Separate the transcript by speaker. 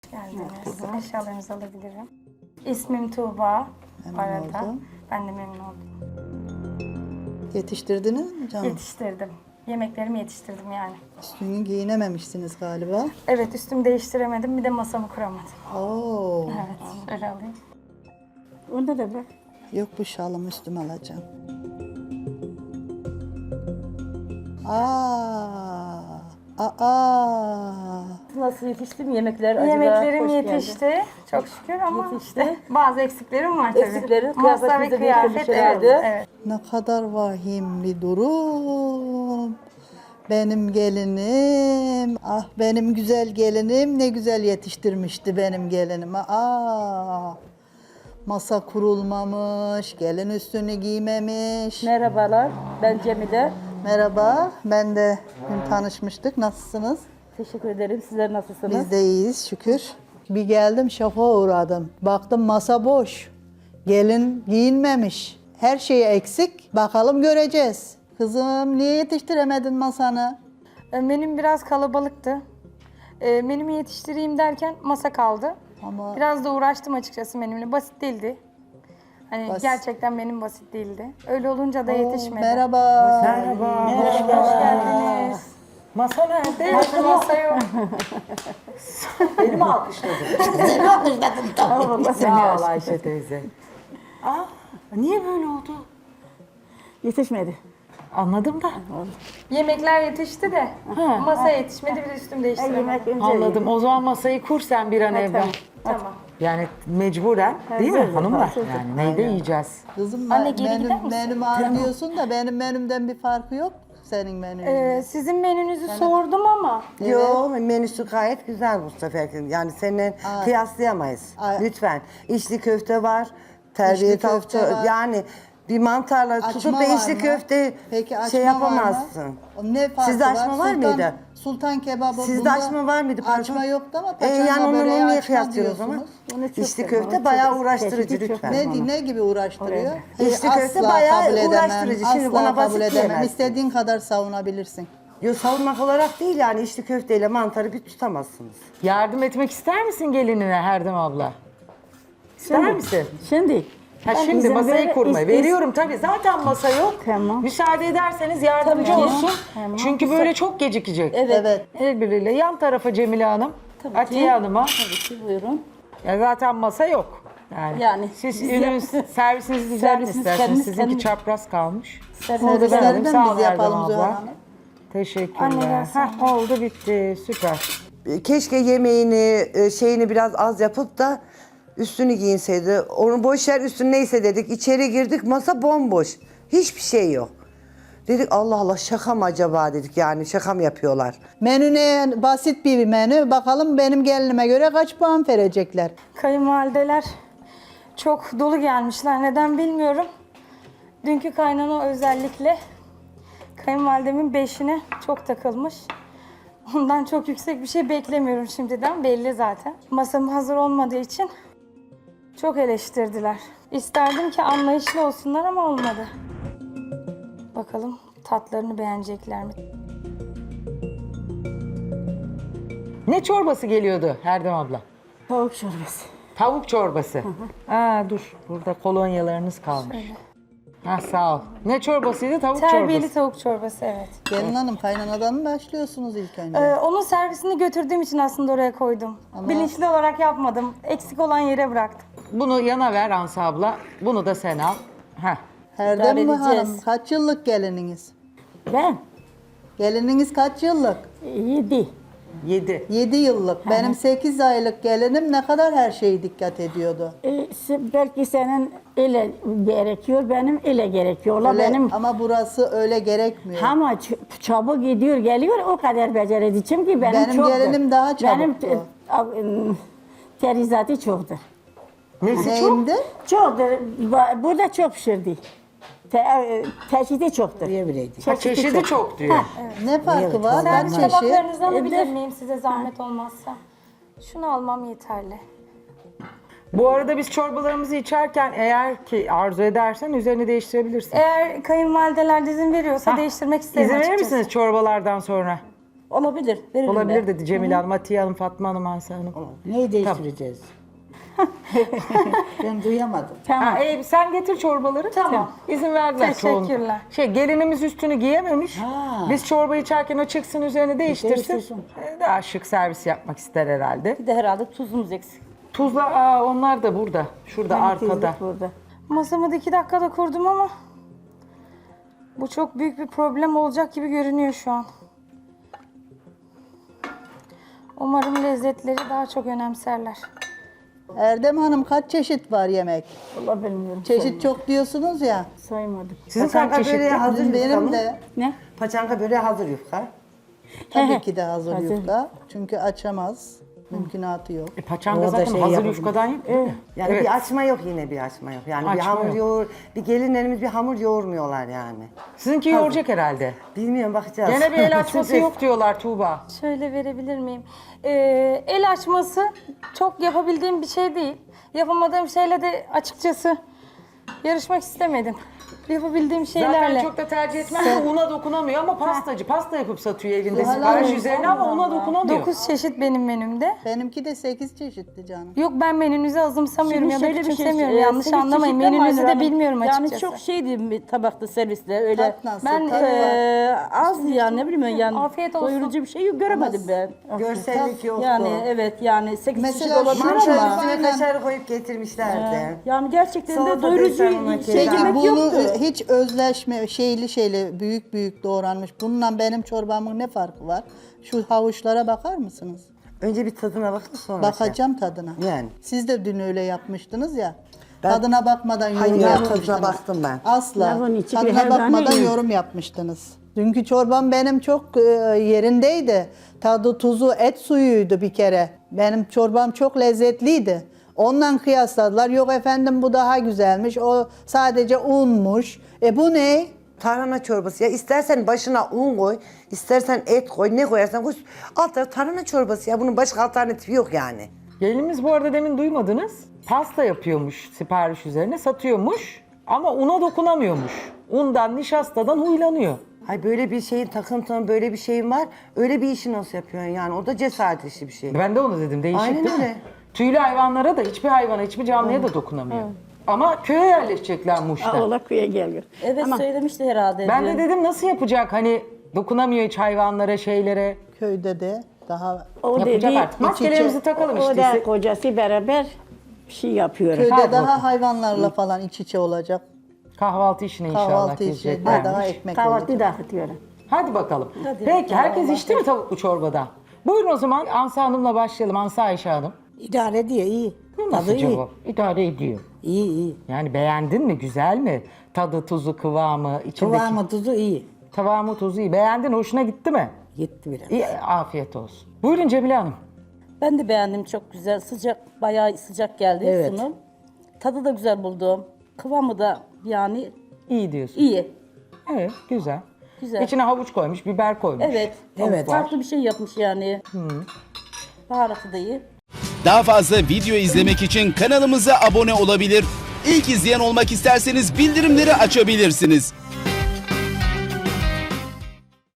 Speaker 1: Geldiniz. Eşyalarınızı alabilirim. İsmim Tuğba.
Speaker 2: Memnun
Speaker 1: Bu arada.
Speaker 2: oldum.
Speaker 1: Ben de memnun oldum.
Speaker 2: Yetiştirdiniz mi canım?
Speaker 1: Yetiştirdim. Yemeklerimi yetiştirdim yani.
Speaker 2: Üstünü giyinememişsiniz galiba.
Speaker 1: Evet, üstümü değiştiremedim. Bir de masamı kuramadım.
Speaker 2: Oo.
Speaker 1: Evet, şöyle alayım.
Speaker 3: Onda da bak.
Speaker 2: Yok bu şalımı üstüme alacağım. Aa.
Speaker 3: Nasıl yetişti mi yemekler acaba?
Speaker 1: Yemeklerim
Speaker 3: Hoş
Speaker 1: yetişti.
Speaker 3: geldi.
Speaker 1: Çok şükür ama
Speaker 3: Yetişti.
Speaker 1: işte bazı eksiklerim var tabii.
Speaker 3: Eksiklerin,
Speaker 1: Masa ve
Speaker 3: kıyafetinizde
Speaker 1: kıyafet.
Speaker 3: değiştirmiş
Speaker 1: Evet,
Speaker 3: herhalde.
Speaker 1: evet.
Speaker 2: Ne kadar vahim bir durum. Benim gelinim, ah benim güzel gelinim ne güzel yetiştirmişti benim gelinim. Masa kurulmamış, gelin üstünü giymemiş.
Speaker 3: Merhabalar, ben Cemile.
Speaker 2: Merhaba, ben de dün tanışmıştık. Nasılsınız?
Speaker 3: Teşekkür ederim. Sizler nasılsınız?
Speaker 2: Biz de iyiyiz şükür. Bir geldim şoka uğradım. Baktım masa boş. Gelin giyinmemiş. Her şey eksik. Bakalım göreceğiz. Kızım niye yetiştiremedin masanı?
Speaker 1: Menüm biraz kalabalıktı. Menümü yetiştireyim derken masa kaldı.
Speaker 2: Ama
Speaker 1: Biraz da uğraştım açıkçası menümle. Basit değildi. Hani
Speaker 2: Basit.
Speaker 1: gerçekten benim basit değildi. Öyle olunca da yetişmedi.
Speaker 2: merhaba.
Speaker 4: Merhaba.
Speaker 1: Hoş geldiniz.
Speaker 4: Masa nerede?
Speaker 1: Masa yok.
Speaker 4: Beni mi alkışladın?
Speaker 3: Allah seni
Speaker 4: Sağ ol
Speaker 3: aşkına.
Speaker 4: Ayşe teyze. Aa, niye böyle oldu?
Speaker 3: Yetişmedi.
Speaker 4: Anladım da.
Speaker 1: Yemekler yetişti de masa yetişmedi. Bir de üstümü değiştiremedim.
Speaker 3: Yemek önce
Speaker 4: Anladım. O zaman masayı kur sen bir an evvel.
Speaker 1: Tamam.
Speaker 4: Yani mecburen değil mi
Speaker 3: Hazırdır,
Speaker 4: hanımlar?
Speaker 3: hazırdır.
Speaker 4: Yani neyde yiyeceğiz?
Speaker 2: Kızım
Speaker 1: Anne, geri gider misin?
Speaker 2: menümü anlıyorsun da benim menümden bir farkı yok senin menünün.
Speaker 1: Sizin menünüzü sordum ama
Speaker 5: Yo, menüsü gayet güzel bu sefer. Yani seninle kıyaslayamayız. Lütfen. İçli köfte var, terbiye
Speaker 2: İçli köfte
Speaker 5: tavukta
Speaker 2: var.
Speaker 5: yani bir mantarla tutup
Speaker 2: Açma
Speaker 5: da
Speaker 2: var
Speaker 5: içli
Speaker 2: mı?
Speaker 5: köfte
Speaker 2: Peki açma
Speaker 5: şey yapamazsın.
Speaker 2: var mı? Ne farkı
Speaker 5: Sizde açma var mıydı?
Speaker 2: Sultan kebabı.
Speaker 5: Sizde
Speaker 2: bunda
Speaker 5: açma var mıydı? Pardon?
Speaker 2: Açma yoktu ama paçanga
Speaker 5: yani onu
Speaker 2: böreği
Speaker 5: niye
Speaker 2: açma
Speaker 5: kıyaslıyoruz o zaman?
Speaker 2: diyorsunuz.
Speaker 3: Onu çok
Speaker 5: İçli
Speaker 3: seviyorum.
Speaker 5: köfte
Speaker 3: Çok
Speaker 5: bayağı uğraştırıcı
Speaker 3: çeşidi çok
Speaker 5: lütfen.
Speaker 2: Ne gibi uğraştırıyor?
Speaker 5: İçli köfte
Speaker 2: Asla
Speaker 5: bayağı
Speaker 2: kabul edemem,
Speaker 5: uğraştırıcı. Şimdi
Speaker 2: asla
Speaker 5: ona basit
Speaker 2: kabul edemem.
Speaker 5: diyemezsin.
Speaker 2: İstediğin kadar savunabilirsin.
Speaker 5: Yo, savunmak olarak değil yani içli köfteyle mantarı bir tutamazsınız.
Speaker 4: Yardım etmek ister misin gelinine Herdem abla? İster misin?
Speaker 3: Şimdi.
Speaker 4: Ha
Speaker 3: ben
Speaker 4: şimdi
Speaker 3: izin
Speaker 4: masayı
Speaker 3: ver-
Speaker 4: kurma.
Speaker 3: is-
Speaker 4: Veriyorum tabii. Zaten masa yok.
Speaker 3: Tamam.
Speaker 4: Müsaade ederseniz yardımcı
Speaker 3: Tabii ki.
Speaker 4: olsun.
Speaker 3: Tamam.
Speaker 4: Çünkü böyle çok gecikecek.
Speaker 2: Evet.
Speaker 4: El birliğiyle yan tarafa Cemile Hanım,
Speaker 3: Tabii
Speaker 4: Atiye
Speaker 3: ki.
Speaker 4: Hanım'a.
Speaker 3: Tabii ki buyurun.
Speaker 4: Ya zaten masa yok. Yani,
Speaker 3: Siz
Speaker 4: servisinizi düzenleyin
Speaker 3: Servisiniz
Speaker 4: isterseniz.
Speaker 3: kendiniz-
Speaker 4: Sizinki
Speaker 3: kendiniz-
Speaker 4: çapraz kalmış.
Speaker 3: Servisleri
Speaker 4: ben alayım.
Speaker 2: Servisleri
Speaker 4: Sağ ol
Speaker 2: biz
Speaker 4: Erdem
Speaker 2: yapalım
Speaker 4: abla.
Speaker 2: Zühal Hanım.
Speaker 4: Teşekkürler.
Speaker 1: Anne,
Speaker 4: Heh, oldu bitti. Süper.
Speaker 5: Keşke yemeğini, şeyini biraz az yapıp da üstünü giyinseydi. Onu boş yer üstün neyse dedik. İçeri girdik masa bomboş. Hiçbir şey yok. Dedik Allah Allah şaka mı acaba dedik yani şaka mı yapıyorlar?
Speaker 2: Menü ne? Basit bir menü. Bakalım benim gelinime göre kaç puan verecekler?
Speaker 1: kayınvalideler çok dolu gelmişler. Neden bilmiyorum. Dünkü kaynana özellikle kayınvalidemin beşine çok takılmış. Ondan çok yüksek bir şey beklemiyorum şimdiden. Belli zaten. Masam hazır olmadığı için çok eleştirdiler. İsterdim ki anlayışlı olsunlar ama olmadı. Bakalım tatlarını beğenecekler mi?
Speaker 4: Ne çorbası geliyordu Herdem abla?
Speaker 3: Tavuk çorbası.
Speaker 4: Tavuk çorbası. Aa dur. Burada kolonyalarınız kalmış. Ha sağ ol. Ne çorbasıydı? Tavuk
Speaker 1: Terbiyeli
Speaker 4: çorbası.
Speaker 1: tavuk çorbası, evet.
Speaker 2: Gelin hanım kaynanadan mı başlıyorsunuz ilk önce?
Speaker 1: Onun servisini götürdüğüm için aslında oraya koydum. Bilinçli olarak yapmadım. Eksik olan yere bıraktım.
Speaker 4: Bunu yana ver Ansa abla. Bunu da sen al. Heh.
Speaker 2: Herdem mi
Speaker 3: idare edeceğiz.
Speaker 2: hanım? Kaç yıllık gelininiz?
Speaker 3: Ben
Speaker 2: Gelininiz kaç yıllık?
Speaker 3: 7.
Speaker 4: 7.
Speaker 2: 7 yıllık. Benim 8 aylık gelinim ne kadar her şeye dikkat ediyordu.
Speaker 3: Belki senin ile gerekiyor, benim ile gerekiyor.
Speaker 2: Öyle-
Speaker 3: Benim
Speaker 2: Ama burası öyle gerekmiyor.
Speaker 3: ama çabuk gidiyor, geliyor o kadar becerediğim ki benim
Speaker 2: Benim
Speaker 3: çoktur.
Speaker 2: gelinim daha
Speaker 3: Benim
Speaker 2: çabuktu.
Speaker 3: terizatı çoktur.
Speaker 4: Nesi çok?
Speaker 2: Neyimdi?
Speaker 3: Çoktur. Burada çok pişirdi. Çeşidi çoktur.
Speaker 4: Ha, çeşidi çok diyor.
Speaker 2: Ne farkı var?
Speaker 1: Servis
Speaker 2: Kaç çeşit?
Speaker 1: tabaklarınızı alabilir
Speaker 3: Evet.
Speaker 1: miyim size zahmet olmazsa? Şunu almam yeterli.
Speaker 4: Bu arada biz çorbalarımızı içerken eğer ki arzu edersen üzerini değiştirebilirsin.
Speaker 1: Eğer kayınvalideler izin veriyorsa değiştirmek isterim
Speaker 4: İzin verir
Speaker 1: açıkçası.
Speaker 4: misiniz çorbalardan sonra?
Speaker 6: Olabilir. Veririm
Speaker 4: Olabilir
Speaker 6: ben.
Speaker 4: dedi Cemile Hanım, Atiye Hanım, Fatma Hanım, Asya Hanım.
Speaker 2: Neyi değiştireceğiz? Ben duyamadım.
Speaker 4: Ha, sen getir çorbaları.
Speaker 1: Tamam.
Speaker 4: İzin verdiler çoğun.
Speaker 1: Teşekkürler.
Speaker 4: Gelinimiz üstünü giyememiş.
Speaker 2: Ha.
Speaker 4: Biz çorba içerken o çıksın üzerine değiştirsin.
Speaker 2: Değiştirsin.
Speaker 4: Daha şık servis yapmak ister herhalde.
Speaker 6: Bir de herhalde tuzumuz eksik.
Speaker 4: Tuzla onlar da burada. Şurada arkada.
Speaker 3: Burada.
Speaker 1: Masamı da 2 dakikada kurdum ama bu çok büyük bir problem olacak gibi görünüyor şu an. Umarım lezzetleri daha çok önemserler.
Speaker 2: Erdem Hanım kaç çeşit var yemek?
Speaker 3: Allah bilmiyorum.
Speaker 2: Çeşit çok diyorsunuz ya.
Speaker 3: Saymadım.
Speaker 4: Sizin kaç
Speaker 5: Paçanga
Speaker 4: çeşit?
Speaker 5: böreği hazır yufka
Speaker 2: Benim
Speaker 5: mı?
Speaker 2: de
Speaker 3: Ne?
Speaker 5: Paçanga böreği hazır yufka.
Speaker 2: tabii ki de hazır
Speaker 3: Hazır.
Speaker 2: yufka. Çünkü açamaz. Mümkünatı yok.
Speaker 4: Paçanga
Speaker 5: Orada
Speaker 4: zaten
Speaker 5: şey
Speaker 4: hazır
Speaker 5: yapabilir.
Speaker 4: yufkadan yapıyor. değil mi?
Speaker 5: Yani
Speaker 4: Evet.
Speaker 5: bir açma yok, yine bir açma yok. Yani bir
Speaker 4: Açma
Speaker 5: hamur
Speaker 4: yok.
Speaker 5: bir gelinlerimiz bir hamur yoğurmuyorlar yani.
Speaker 4: Sizinki yoğuracak herhalde.
Speaker 5: Bilmiyorum, bakacağız.
Speaker 4: Gene bir el açması yok diyorlar Tuğba.
Speaker 1: Şöyle verebilir miyim? El açması çok yapabildiğim bir şey değil. Yapamadığım şeyle de açıkçası yarışmak istemedim. Yapabildiğim şeylerle.
Speaker 4: Zaten çok da tercih etmez de una dokunamıyor ama pastacı. Pasta yapıp satıyor evinde
Speaker 2: Zuhal
Speaker 4: sipariş
Speaker 2: Hanım,
Speaker 4: üzerine ama una dokunamıyor.
Speaker 1: 9 çeşit benim menümde.
Speaker 2: Benimki de 8 çeşitti canım.
Speaker 1: Yok, ben menünüzü azımsamıyorum ya da
Speaker 6: şöyle bir şey,
Speaker 1: küçümsemiyorum. Yanlış
Speaker 6: 8
Speaker 1: anlamayın.
Speaker 6: çeşitten
Speaker 1: Menünüzü de
Speaker 6: var.
Speaker 1: bilmiyorum açıkçası.
Speaker 6: Yani çok şeydi bir tabakta servisle öyle.
Speaker 2: Tat nasıl?
Speaker 6: Ben
Speaker 2: Tat var.
Speaker 6: az yani ne bileyim yani.
Speaker 1: Afiyet olsun.
Speaker 6: Doyurucu bir şey göremedim ben.
Speaker 5: Görsellik yoktu.
Speaker 6: Yani evet yani 8 çeşit
Speaker 2: Mesela
Speaker 6: olabilir
Speaker 5: Mançanın
Speaker 6: ama.
Speaker 5: üstüne
Speaker 2: Aynen.
Speaker 5: kaşar koyup getirmişlerdi.
Speaker 6: Yani gerçekten de
Speaker 5: Salata
Speaker 6: doyurucu
Speaker 5: desen ona
Speaker 6: şey
Speaker 5: keyif.
Speaker 6: yemek
Speaker 2: Bunu
Speaker 6: yoktu.
Speaker 2: hiç özleşme şeyli büyük büyük doğranmış. Bununla benim çorbamın ne farkı var? Şu havuçlara bakar mısınız?
Speaker 5: Önce bir tadına bakın sonra.
Speaker 2: Bakacağım tadına.
Speaker 5: Yani.
Speaker 2: Siz de dün öyle yapmıştınız ya.
Speaker 5: Ben-
Speaker 2: Tadına bakmadan yorum
Speaker 5: Hayır, ben
Speaker 2: yapmıştınız.
Speaker 5: tadına baktım ben.
Speaker 2: Asla.
Speaker 3: Lavın içi bir
Speaker 2: Tadına
Speaker 3: her tane
Speaker 2: bakmadan
Speaker 3: iyi.
Speaker 2: yorum yapmıştınız. Dünkü çorbam benim çok yerindeydi. Tadı, tuzu, et suyuydu bir kere. Benim çorbam çok lezzetliydi. Ondan kıyasladılar. Yok efendim bu daha güzelmiş. O sadece unmuş. Bu ne?
Speaker 5: Tarhana çorbası ya, istersen başına un koy, istersen et koy, ne koyarsan koy. Alt tarafı tarhana çorbası ya, bunun başka alternatifi yok yani.
Speaker 4: Gelinimiz bu arada demin duymadınız. Pasta yapıyormuş sipariş üzerine satıyormuş ama una dokunamıyormuş. Undan, nişastadan huylanıyor.
Speaker 5: Hay böyle bir şeyin takıntının, böyle bir şeyin var. Öyle bir işi nasıl yapıyorsun yani? O da cesaret işi bir şey.
Speaker 4: Ben de onu dedim, değişik
Speaker 5: Aynen
Speaker 4: değil mi?
Speaker 5: öyle.
Speaker 4: Tüylü hayvanlara da, hiçbir hayvana, hiçbir canlıya da dokunamıyor. Ama köye yerleşecekler Muş'ta.
Speaker 3: Ola köye geliyor.
Speaker 6: Evet
Speaker 3: Ama
Speaker 6: söylemişti herhalde.
Speaker 4: Ben de
Speaker 6: dün.
Speaker 4: dedim nasıl yapacak, hani dokunamıyor hiç hayvanlara, şeylere.
Speaker 2: Köyde de daha
Speaker 3: o
Speaker 4: Yapacak
Speaker 3: dedi,
Speaker 4: artık. Maskelerimizi takalım
Speaker 3: o
Speaker 4: işte.
Speaker 3: da kocası beraber bir şey yapıyor.
Speaker 2: köyde
Speaker 4: Hadi
Speaker 2: daha
Speaker 4: bakalım.
Speaker 2: hayvanlarla falan iç içe olacak.
Speaker 4: Kahvaltı işine inşallah
Speaker 2: Kahvaltı için
Speaker 4: gireceklermiş.
Speaker 2: daha ekmek olacak.
Speaker 3: Kahvaltı dağıtıyorum.
Speaker 4: Hadi bakalım. Peki herkes içti mi tavuklu çorbada? Buyurun o zaman Ansa Hanım'la başlayalım. Ansa Ayşe Hanım.
Speaker 7: İdare ediyor, iyi.
Speaker 4: Bu nasıl
Speaker 7: Tadı iyi.
Speaker 4: cevap? İdare ediyor.
Speaker 7: İyi, iyi.
Speaker 4: Yani beğendin mi? Güzel mi? Tadı, tuzu, kıvamı, içindeki...
Speaker 7: Kıvamı, tuzu iyi.
Speaker 4: Kıvamı, tuzu iyi. Beğendin, hoşuna gitti mi?
Speaker 7: Gitti biraz.
Speaker 4: İyi, afiyet olsun. Buyurun Cemile Hanım.
Speaker 6: Ben de beğendim, çok güzel. Sıcak, bayağı sıcak geldi
Speaker 7: Evet.
Speaker 6: sunum. Tadı da güzel buldum. Kıvamı da yani
Speaker 4: İyi diyorsun.
Speaker 6: iyi.
Speaker 4: Evet, güzel.
Speaker 6: Güzel.
Speaker 4: İçine havuç koymuş, biber koymuş.
Speaker 6: Evet.
Speaker 7: Evet.
Speaker 6: Farklı bir şey yapmış yani. Baharatı da iyi.
Speaker 8: Daha fazla video izlemek için kanalımıza abone olabilir. İlk izleyen olmak isterseniz bildirimleri açabilirsiniz.